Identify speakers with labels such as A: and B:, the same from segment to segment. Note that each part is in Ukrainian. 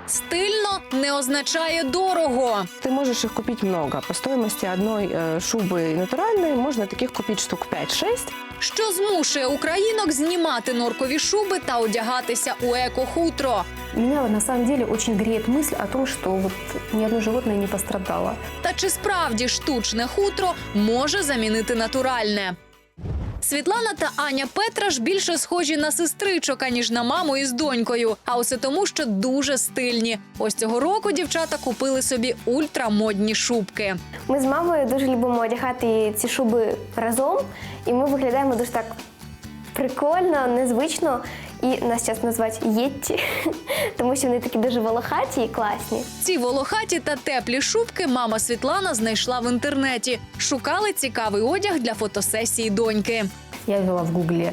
A: Стильно не означає дорого.
B: Ты можешь их купить много. По стоимости одной шубы натуральной можно таких купить штук 5-6.
A: Що змушує українок знімати норкові шуби та одягатися у еко-хутро?
C: Меня на самом деле очень греет мысль о том, что вот ни одно животное не пострадало.
A: Та чи справді штучне хутро може замінити натуральне? Світлана та Аня Петраш більше схожі на сестричок, аніж на маму із донькою. А усе тому, що дуже стильні. Ось цього року дівчата купили собі ультрамодні шубки.
D: Ми з мамою дуже любимо одягати ці шуби разом, і ми виглядаємо дуже так прикольно, незвично. І нас часто називають «єтті», тому що вони такі дуже волохаті і класні.
A: Ці волохаті та теплі шубки мама Світлана знайшла в інтернеті. Шукали цікавий одяг для фотосесії доньки.
C: Я ввела в гугле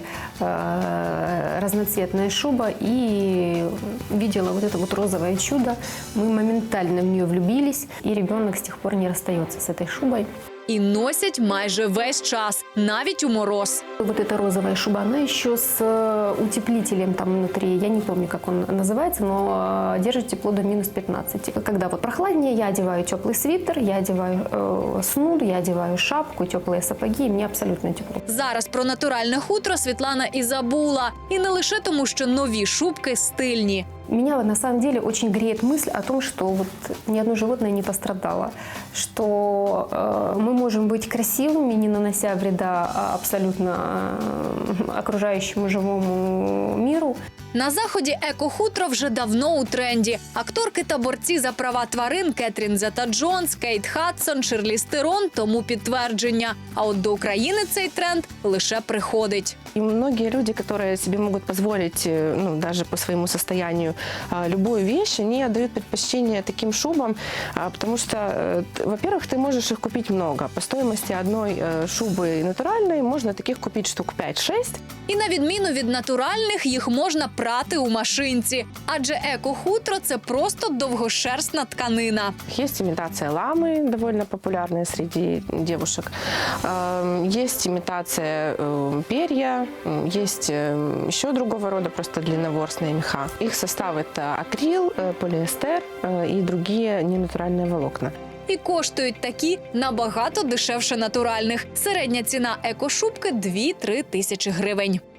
C: разноцветная шуба и видела вот это вот розовое чудо. Мы моментально в нее влюбились, и ребенок с тех пор не расстается с этой шубой.
A: І носять майже весь час, навіть у мороз.
C: Вот эта розовая шуба, она еще с утеплителем там внутри, я не помню, как он называется, но держит тепло до минус 15. Когда вот прохладнее, я одеваю теплый свитер, я одеваю снуд, я одеваю шапку, теплые сапоги, и мне абсолютно тепло.
A: Зараз про натуральне хутро Світлана і забула. І не лише тому, що нові шубки стильні.
C: Меня на самом деле очень греет мысль о том, что вот ни одно животное не пострадало, что мы можем быть красивыми, не нанося вреда абсолютно окружающему живому миру.
A: На заході еко-хутро вже давно у тренді. Акторки та борці за права тварин Кетрін Зета-Джонс, Кейт Хадсон, Шарліз Терон тому підтвердження. А от до України цей тренд лише приходить.
B: И многие люди, которые себе могут позволить, ну, даже по своему состоянию, любую вещь, они отдают предпочтение таким шубам, потому что, во-первых, ты можешь их купить много. По стоимости одной шубы натуральной можно таких купить штук 5-6.
A: І на відміну від натуральних, їх можна прати у машинці. Адже еко-хутро – це просто довгошерстна тканина.
B: Есть имитация ламы, довольно популярная среди девушек. Есть имитация перья, есть еще другого рода просто длинноворсные меха. Их состав – это акрил, полиэстер и другие ненатуральные волокна.
A: І коштують такі набагато дешевше натуральних. Середня ціна еко-шубки – 2-3 тисячі гривень.